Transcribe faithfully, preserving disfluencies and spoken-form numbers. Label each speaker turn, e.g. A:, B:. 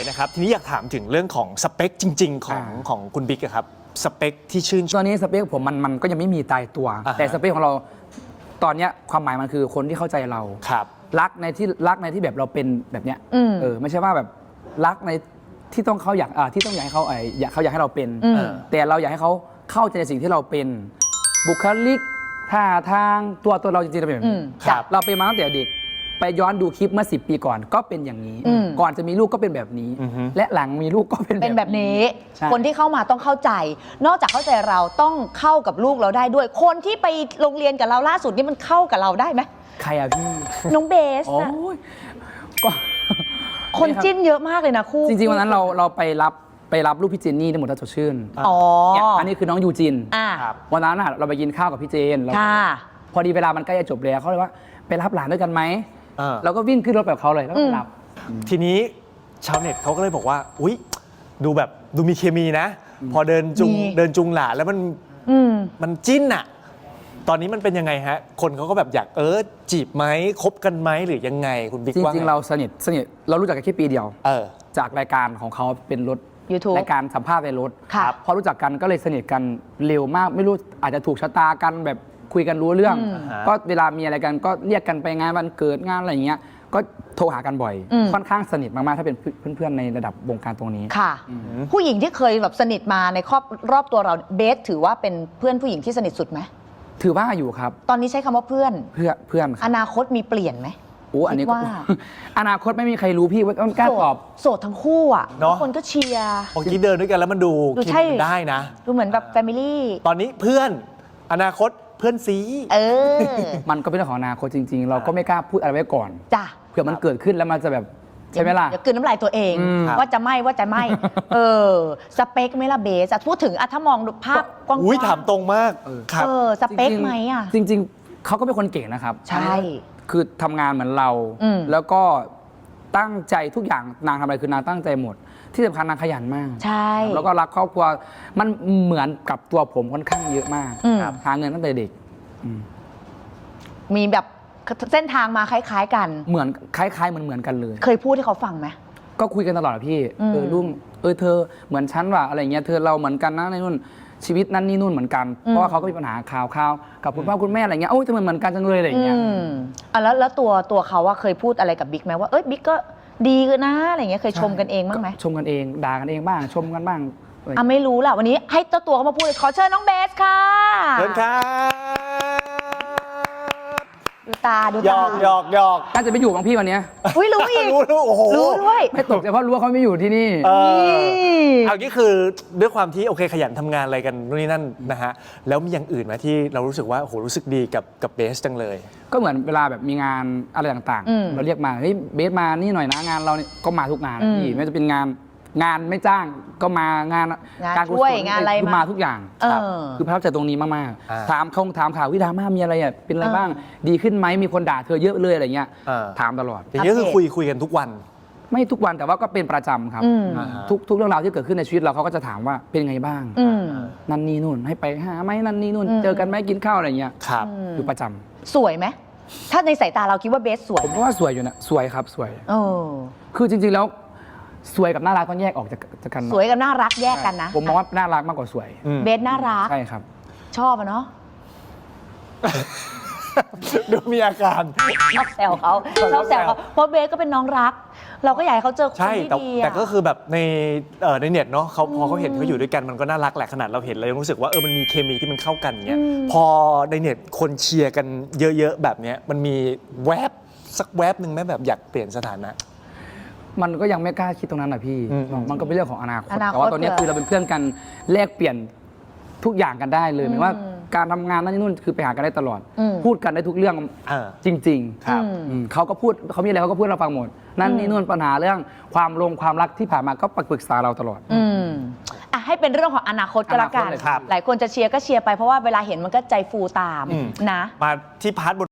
A: นะครับทีนี้อยากถามถึงเรื่องของสเปคจริงๆของของคุณบิ๊กครับสเปคที่ชื่นชอบ
B: ตอนนี้สเปคผมมันมันก็ยังไม่มีตายตัว แต่สเปคของเราตอนนี้ความหมายมันคือคนที่เข้าใจเรา
A: ครับ
B: รักในที่รักในที่แบบเราเป็นแบบเนี้ยเออไม่ใช่ว่าแบบรักในที่ต้องเขาอยากอ่าที่ต้องอยากให้เขาไออยากเขาอยากให้เราเป็นแต่เราอยากให้เขาเข้าใจในสิ่งที่เราเป็นบุคลิกท่าทางตัวตัวเราจริงๆเราเป็นแบบนี้เราเป็นมาตั้งแต่เด็กไปย้อนดูคลิปเมื่อสิบปีก่อนก็เป็นอย่างนี้ก่อนจะมีลูกก็เป็นแบบนี้และหลังมีลูกก็เป็น
C: เป็นแบบนี้คนที่เข้ามาต้องเข้าใจนอกจากเข้าใจเราต้องเข้ากับลูกเราได้ด้วยคนที่ไปโรงเรียนกับเราล่าสุดนี่มันเข้ากับเราได้ไหม
B: ใครอะพี่
C: น้องเบส
B: โอ้ยก็
C: คนจิ้นเยอะมากเลยนะคู่
B: จริงๆวันนั้นเราเราไปรับไปรับลูกพี่เจนนี่ในหมดทัศชื่น
C: อ๋อ
B: อันนี้คือน้องยูจินวันนั้นเราไปกินข้าวกับพี่เจนแล้วพอดีเวลามันใกล้จะจบแล้วเขาเลยว่าไปรับหลานด้วยกันไหมเราก็วิ่งขึ้นรถแบบเขาเลยแล้วก็รับ
A: ทีนี้ชาวเน็ตเขาก็เลยบอกว่าอุ๊ยดูแบบดูมีเคมีนะพอเดินจุงเดินจุงหลานแล้วมันมันจิ้นอะตอนนี้มันเป็นยังไงฮะคนเขาก็แบบอยากเออจีบไหมคบกันไหมหรือยังไงคุณบิ๊กว่า
B: จริงๆเราสนิทสนิทเรารู้จักกันแค่ปีเดียว
A: เออ
B: จากรายการของเขาเป็นรถ
C: YouTube
B: รายการสัมภาษณ์ในรถพอรู้จักกันก็เลยสนิทกันเร็วมากไม่รู้อาจจะถูกชะตากันแบบคุยกันรู้เรื่องก็เวลามีอะไรกันก็เรียกกันไปงานวันเกิดงานอะไรอย่างเงี้ยก็โทรหากันบ่อยค่อนข้างสนิทมากๆถ้าเป็นเพื่อนๆในระดับวงการตรงนี้
C: ค่ะผู้หญิงที่เคยแบบสนิทมาในครอบรอบตัวเราเบสถือว่าเป็นเพื่อนผู้หญิงที่สนิทสุดไหม
B: ถือว่าอยู่ครับ
C: ตอนนี้ใช้คำว่าเพื่อน
B: เพื่อนเพื่อน
C: อนาคตมีเปลี่ยนไหม
B: โอ้อันนี้ก็อนาคตไม่มีใครรู้พี่ว่าต้องกล้าตอบ
C: โสดทั้งคู่อ่ะทุกคนก็เชียร์
A: เมื่อกี้เดินด้วยกันแล้วมันดูคิดได้นะ
C: ดูเหมือนแบบแฟมิลี่
A: ตอนนี้เพื่อนอนาคตเพื่อนซี
C: เออ
B: มันก็เป็นเรื่องของอนาคตจริงๆเราก็ไม่กล้าพูดอะไรไว้ก่อน
C: จ้ะ
B: เผื่อมันเกิดขึ้นแล้วมันจะแบบใช่ไหมล่ะ
C: อย่ากินน้ำลายตัวเองว่าจะไม่ว่าจะไม่เออสเปคไม่ละเบสพูดถึงอะถ้ามองภาพกว้างๆ
A: อุ้ยถามตรงมาก
C: เออสเปคไหมอ่ะ
B: จริงๆเขาก็เป็นคนเก่งนะครับ
C: ใช่
B: คือทำงานเหมือนเราแล้วก็ตั้งใจทุกอย่างนางทำอะไรคือนางตั้งใจหมดที่สำคัญนางขยันมาก
C: ใช่
B: แล้วก็รักครอบครัวมันเหมือนกับตัวผมค่อนข้างเยอะมากหาเงินตั้งแต่เด็ก
C: มีแบบเส้นทางมาคล้ายๆกัน
B: เหมือนคล้ายๆเหมือนเหมือนกันเลย
C: เคยพูดให้เขาฟังไหม
B: ก็คุยกันตลอดพี่เออลุงเออเธอเหมือนฉันว่ะอะไรเงี้ยเธอเราเหมือนกันนะในนู่นชีวิตนั้นนี่นู่นเหมือนกันเพราะว่าเขาก็มีปัญหาข่าวข่าวกับคุณพ่อคุณแม่อะไรเงี้ยโอ้ยทำไมเหมือนกันจังเลยอะไรเงี้ย
C: อ่ะแล้วแล้วตัวตัวเขาว่าเคยพูดอะไรกับบิ๊กไหมว่าเอ้ยบิ๊กก็ดีกันนะอะไรเงี้ยเคยชมกันเองบ้างไหม
B: ชมกันเองด่ากันเองบ้างชมกันบ้าง
C: อ่ะไม่รู้แหละวันนี้ให้เจ้าตัวเขามาพูดขอเชิญน้องเบสค่ะ
A: เชิญครับ
C: ดูตาดู
A: ตาหยอกหยอกหยอก
B: น่าจะไปอยู่กับพี่วันนี้
C: อุ้ยรู้อีก
A: รู้รู้โอ้โห
C: รู้ด้วย
B: ไม่ตกใจเพราะรู้ว่าเขาไม่อยู่ที่นี่
A: เออเอางี้คือด้วยความที่โอเคขยันทำงานอะไรกันนู่นนี่นั่นนะฮะแล้วมีอย่างอื่นไหมที่เรารู้สึกว่าโอ้โหรู้สึกดีกับกับเบสจังเลย
B: ก็เหมือนเวลาแบบมีงานอะไรต่างๆเราเรียกมาเฮ้ยเบสมานี่หน่อยนะงานเราก็มาทุกงานพี่ไม่ว่าจะเป็นงานงานไม่จ้างก็มางาน
C: การช่วยงานอะไร
B: มาทุกอย่างคือประทับใจตรงนี้มากๆถามเขาถามข่าววิดามามีอะไรอ่ะเป็นอะไรบ้างดีขึ้นไหมมีคนด่าเธอเยอะเลยอะไรเงี้ยถามตลอด
A: อย่างนี้คือคุยคุยกันทุกวัน
B: ไม่ทุกวันแต่ว่าก็เป็นประจำครับทุกทุกเรื่องราวที่เกิดขึ้นในชีวิตเราเขาก็จะถามว่าเป็นไงบ้างนั่นนี่นู่นให้ไปหาไหมนั่นนี่นู่นเจอกันไหมกินข้าวอะไรเงี้ย
A: ครับ
B: อยู่ประจำ
C: สวยไหมถ้าในสายตาเราคิดว่าเบสสวย
B: ผมว่าสวยอยู่นะสวยครับสวยคือจริงๆแล้วสวยกับน่ารักต้องแยกออกจากกัน
C: สวยกับน่ารักแยกกันนะ
B: ผมมองว่าน่ารักมากกว่าสวย
C: เบสน่ารัก
B: ใช่ครับ
C: ชอบอะเนาะ
A: ดูมีอาการ
C: ชอบแซวเขาชอบแซวเขาเพราะเบสก็เป็นน้องรักเราก็อยากให้เขาเจอคนที่ดี
A: แต่ก็คือแบบในในเน็ตเนาะเขาพอเขาเห็นเขาอยู่ด้วยกันมันก็น่ารักแหละขนาดเราเห็นเรายังรู้สึกว่าเออมันมีเคมีที่มันเข้ากันเงี้ยพอในเน็ตคนเชียร์กันเยอะๆแบบเนี้ยมันมีแวบสักแวบหนึ่งไหมแบบอยากเปลี่ยนสถานะ
B: มันก็ยังไม่กล้าคิดตรงนั้นนะพี่มันก็เป็นเรื่องของอนาคตแต่ว่าตอนนี้คือเราเป็นเพื่อนกันแลกเปลี่ยนทุกอย่างกันได้เลยหมายว่าการทำงานนั่นนู่นคือไปหากันได้ตลอดพูดกันได้ทุกเรื่องจริงๆครับเขาก็พูดเขามีอะไรเขาก็พูดเราฟังหมดนั่นนี่นู่นปัญหาเรื่องความลงความรักที่ผ่านมาก็ปรึกษาเราตลอด
C: อ่ะให้เป็นเรื่องของอนาคตก็แล้วกันหลายคนจะเชียร์ก็เชียร์ไปเพราะว่าเวลาเห็นมันก็ใจฟูตามนะ
A: มาที่พาร์ท